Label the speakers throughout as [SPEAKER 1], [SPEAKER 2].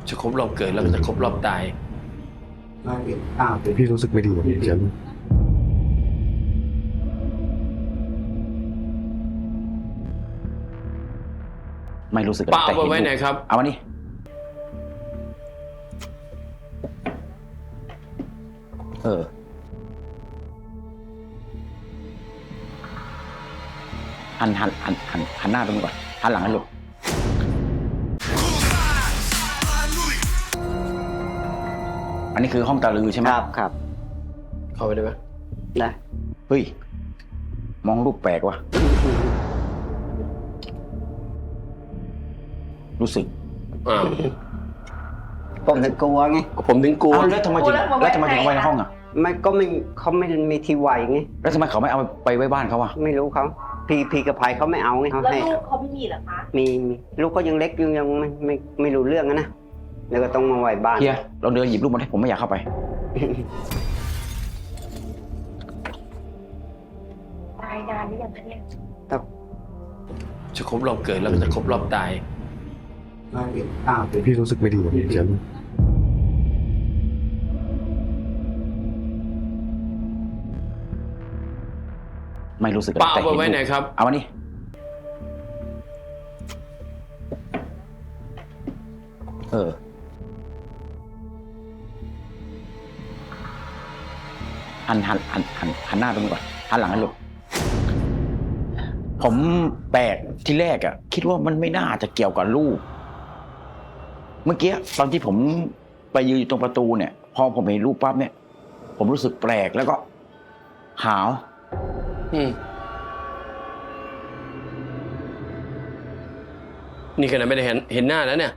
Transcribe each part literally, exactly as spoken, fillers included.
[SPEAKER 1] จะครบรอบเกิดแล้วก็จะครบรอบตาย
[SPEAKER 2] พี่รู้สึกไม่ดีกับพี่เจม
[SPEAKER 3] ไม่รู้สึก
[SPEAKER 1] ป้าเอาไปไว้ไหนครับ
[SPEAKER 3] เอามานี่เออหันหันหันหันหันหน้าตรงนี้ก่อนหันหลังให้ลูกอันนี้คือห้องตาลือใช่ไหม
[SPEAKER 4] ครับครับ
[SPEAKER 1] เข้าไปได้ไหม
[SPEAKER 4] ได้
[SPEAKER 3] เฮ้ยมองรูปแปลกว่ะรู้สึก
[SPEAKER 1] อ้าว
[SPEAKER 4] ผมถึงกลัวไง
[SPEAKER 1] ผมถึงกลัว
[SPEAKER 3] อ้าวแล้วทำไมถึงแล้วทำไมถึงเอาไว้ในห้องอ่ะ
[SPEAKER 4] ไม่ก็ไม่เขาไม่มีที่ไหวไง
[SPEAKER 3] แล้วทำไมเขาไม่เอาไปไว้บ้านเขาอ่ะ
[SPEAKER 4] ไม่รู้เขาพี่พี่กับภัยเขาไม่เอาไงเขา
[SPEAKER 5] แล้ว
[SPEAKER 4] ให้
[SPEAKER 5] ลูกเขาไม่มีเหรอคะ
[SPEAKER 4] มีมีลูกก็ยังเล็กยังยังไม่ไม่ไม่รู้เรื่องนะแล้วก็ต้องมาไหวบ้าน
[SPEAKER 3] เฮียเราเดินหยิบรูปมาให้ผมไม่อยากเข้าไป
[SPEAKER 5] ตายนานหรือยังคะเนี่ย
[SPEAKER 1] จะครบรอบเกิดแล้วก็จะครบรอบตาย
[SPEAKER 2] พี่รู้สึกไม่ดีกับพี่เจม
[SPEAKER 3] ไม่รู้สึก
[SPEAKER 1] ป้าเอาไปไว้ไหนครับ
[SPEAKER 3] เอามานี่เออหันหันหันหันหันหน้าตรงนี้ก่อนหันหลังให้ลูกผมแปลกที่แรกอะคิดว่ามันไม่น่าจะเกี่ยวกับลูกเมื่อกี้ตอนที่ผมไปยืนอยู่ตรงประตูเนี่ยพอผมเห็นรูปปั๊บเนี่ยผมรู้สึกแปลกแล้วก็หาว
[SPEAKER 1] อืมนี่ขนาดไม่ได้เห็นเห็นหน้าแล้วเนี่ย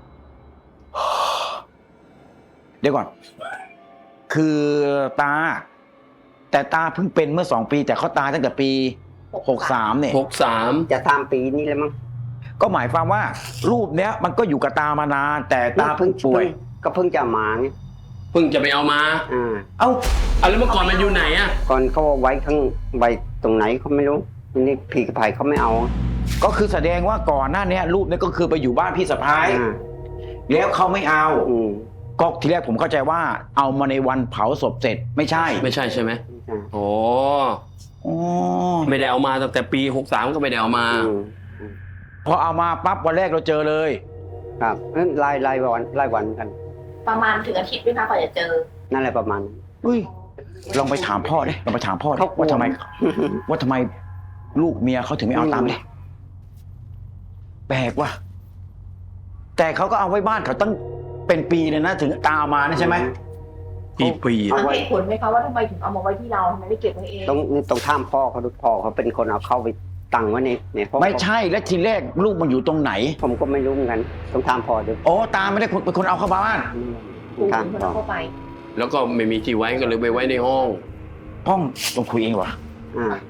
[SPEAKER 3] เดี๋ยวก่อน คือตา แต่ตาเพิ่งเป็นเมื่อสองปี แต่เขาตายตั้งแต่ปีหกสามเนี่ย
[SPEAKER 1] หกสาม
[SPEAKER 4] จะทำปีนี้แล้วมั้ง
[SPEAKER 3] ก็หมายความว่า รูปเนี้ยมันก็อยู่กับตามานาน แต่ตาเพิ่งป่วย
[SPEAKER 4] ก็เพิ่งจะมาไง
[SPEAKER 1] เพิ่งจะไปเอามา
[SPEAKER 4] อ่า
[SPEAKER 3] เอ้า
[SPEAKER 1] เอาแล้วเมื่อก่อนมันอยู่ไหนอะ
[SPEAKER 4] ก่อนเขาเอาไว้ข้างไว้ตรงไหนเขาไม่รู้นี่พี่กับภัยเขาไม่เอา
[SPEAKER 3] ก็คือแสดงว่าก่อนหน้านี้รูปเนี้ยก็คือไปอยู่บ้านพี่สะพ้าย
[SPEAKER 4] อ่า
[SPEAKER 3] แล้วเขาไม่เอา
[SPEAKER 4] อืม
[SPEAKER 3] ก็ทีแรกผมเข้าใจว่า เอามาในวันเผาศพเสร็จไม่ใช่
[SPEAKER 1] ไม่ใช่ใช่ไหม
[SPEAKER 4] อ่า
[SPEAKER 1] โอ้
[SPEAKER 3] อ๋อ
[SPEAKER 1] ไม่ได้เอามาตั้งแต่ปีหกสามก็ไม่ได้เอามา
[SPEAKER 4] อืม
[SPEAKER 3] พอเอามาปั๊บวันแรกเราเจอเลย
[SPEAKER 4] ครับนั่นรายรายวันรายวันกัน
[SPEAKER 5] ประมาณถึงอาทิตย์ไหมคะกว่าจะเจอ
[SPEAKER 4] นั่นแหละประมาณนั้น
[SPEAKER 3] อุ้ยลองไปถามพ่อดิลองไปถามพ่อดิ
[SPEAKER 4] เขากลัว
[SPEAKER 3] ว่าทำไม ว่าทำไมลูกเมียเขาถึงไม่เอาตามเลยแปลกว่ะแต่เขาก็เอาไว้บ้านเขาตั้งเป็นปีเลยนะถึงตามมานะใช่ไหม
[SPEAKER 1] ปีปี
[SPEAKER 4] เอา
[SPEAKER 5] สัง
[SPEAKER 4] ไว้
[SPEAKER 5] เหตุผลไหมคะว่าทำไมถึงเอามาไว้ที่เราทำไมไม่เก็บไว้เอง
[SPEAKER 4] ต้องนี่ต้องท่ามพ่อเขาดูพ่อเขาเป็นคนเอาเข้าไปตั้งไว้ในในห้อง
[SPEAKER 3] ไม่ใช่และทีแรกลูกมันอยู่ตรงไหน
[SPEAKER 4] ผมก็ไม่รู้เหมือนกันต้องท่ามพ่อดู
[SPEAKER 3] โอ้ตาไม่ได้เป็นคนเอาเข้าบ้าน
[SPEAKER 5] ปู่
[SPEAKER 4] ท่าม
[SPEAKER 5] เป็นคน
[SPEAKER 4] พ่อ
[SPEAKER 5] เอาเข้าไป
[SPEAKER 1] แล้วก็ไม่มีที่ไว้ก็เลยไปไว้ในห้อง
[SPEAKER 3] ห้องต้องคุยเองวะ
[SPEAKER 4] อ่า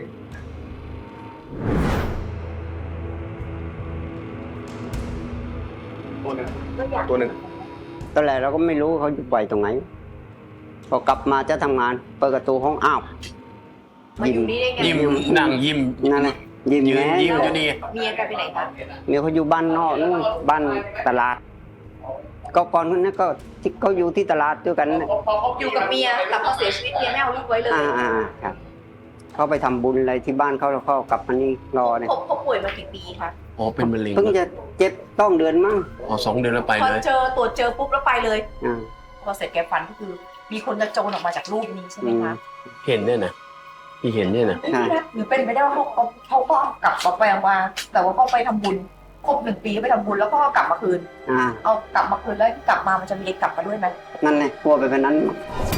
[SPEAKER 5] ก็อยาก
[SPEAKER 1] ตัวหนึ่ง
[SPEAKER 4] ตอนแรกเราก็ไม่รู้เขาอยู่ไปตรงไหนพอกลับมาจะทำงานเปิดประตูห้องอ้าว
[SPEAKER 5] มาอยู่นี่ได้ไง
[SPEAKER 1] ยิ้มนั่งยิ้ม
[SPEAKER 4] นั่นแหละยิ้ม
[SPEAKER 1] ยืน
[SPEAKER 4] แย้
[SPEAKER 1] ยิ้ม
[SPEAKER 4] ม
[SPEAKER 1] อยู่นี่
[SPEAKER 5] เมียแกไปไหนคะ
[SPEAKER 4] เมียเขาอยู่บ้านนอกนู่นบ้านตลาด ก็ก่อนนั้นก็ที่เขาอยู่ที่ตลาดด้วยกันน่ะ
[SPEAKER 5] อยู่กับเมียแต่พอเสียชีวิตเมียไม่เอาลูกไว้เลย
[SPEAKER 4] อ่าอ่าครับเขาไปทำบุญอะไรที่บ้านเขาแล้วเขากลับมานี่รอเนี่ย
[SPEAKER 5] เขาเขาป่วยมากี่ปีคะ
[SPEAKER 1] อ๋อเป็นมะเร็ง
[SPEAKER 4] เพิ่งจะเจ็บต้องเดือนมั้ง
[SPEAKER 1] อ๋อสองเดือนแล้วไป
[SPEAKER 5] พอ
[SPEAKER 1] เลย
[SPEAKER 5] เจอตรวจเจอปุ๊บแล้วไปเลย
[SPEAKER 4] อ่า
[SPEAKER 5] พอเสร็จแกฟันก็คือ มีคนกระโจนออกมาจากรูปนี้ใช่ไหมคะ
[SPEAKER 1] เห็นเนี่ยนะที่เห็นเนี่ยนะ
[SPEAKER 5] หรือเป็นไปได้ว่าเขาเขาเขาก็กลับมาไปมา แต่ว่าเขาไปทำบุญครบหนึ่งปีไปทำบุญแล้วก็กลับมาคืน
[SPEAKER 4] อ่า
[SPEAKER 5] เอากลับมาคืนแล้วกลับมามันจะมีเด็กกลับมาด้วยไหม
[SPEAKER 4] นั่นแหละกลัวไปเป็นนั้น
[SPEAKER 5] อ